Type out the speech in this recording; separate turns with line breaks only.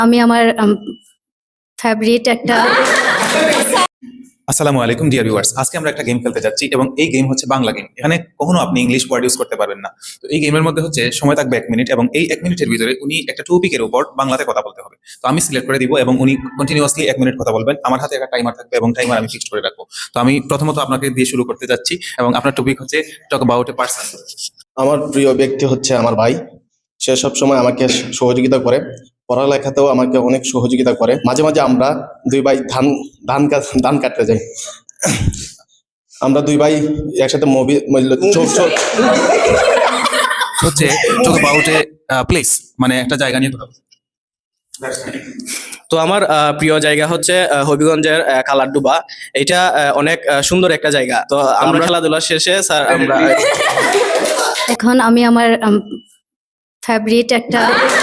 আমি আমার ফেভারিট একটা
আসসালামু আলাইকুম ডিয়ার ভিউয়ার্স, আজকে আমরা একটা গেম খেলতে যাচ্ছি এবং এই গেম হচ্ছে বাংলা গেম। এখানে কখনো আপনি ইংলিশ ওয়ার্ড ইউজ করতে পারবেন না। তো এই গেমের মধ্যে হচ্ছে সময় থাকবে 1 মিনিট এবং এই 1 মিনিটের ভিতরে উনি একটা টপিকের উপর বাংলাতে কথা বলতে হবে। তো আমি সিলেক্ট করে দিব এবং উনি কন্টিনিউয়াসলি 1 মিনিট কথা বলবেন। আমার হাতে একটা টাইমার থাকবে এবং টাইমার আমি ফিক্সড করে রাখবো। তো আমি প্রথমত আপনাকে দিয়ে শুরু করতে যাচ্ছি এবং আপনার টপিক হচ্ছে টক অ্যাবাউট এ পারসন।
আমার প্রিয় ব্যক্তি হচ্ছে আমার ভাই। সে সব সময় আমাকে সহযোগিতা করে, পড়ালেখাতেও আমাকে অনেক সহযোগিতা করে। মাঝে মাঝে আমরা দুই ভাই ধান কাটতে যাই। আমরা দুই ভাই একসাথে মুভি
হচ্ছে টক অ্যাবাউট এ প্লেস, মানে একটা জায়গা নিয়ে কথা বলতে।
তো আমার প্রিয় জায়গা হচ্ছে হবিগঞ্জের কালারডুবা। এটা অনেক সুন্দর একটা জায়গা। তো আমরা খেলাধুলা শেষে স্যার আমরা
এখন আমি আমার ফেভারিট একটা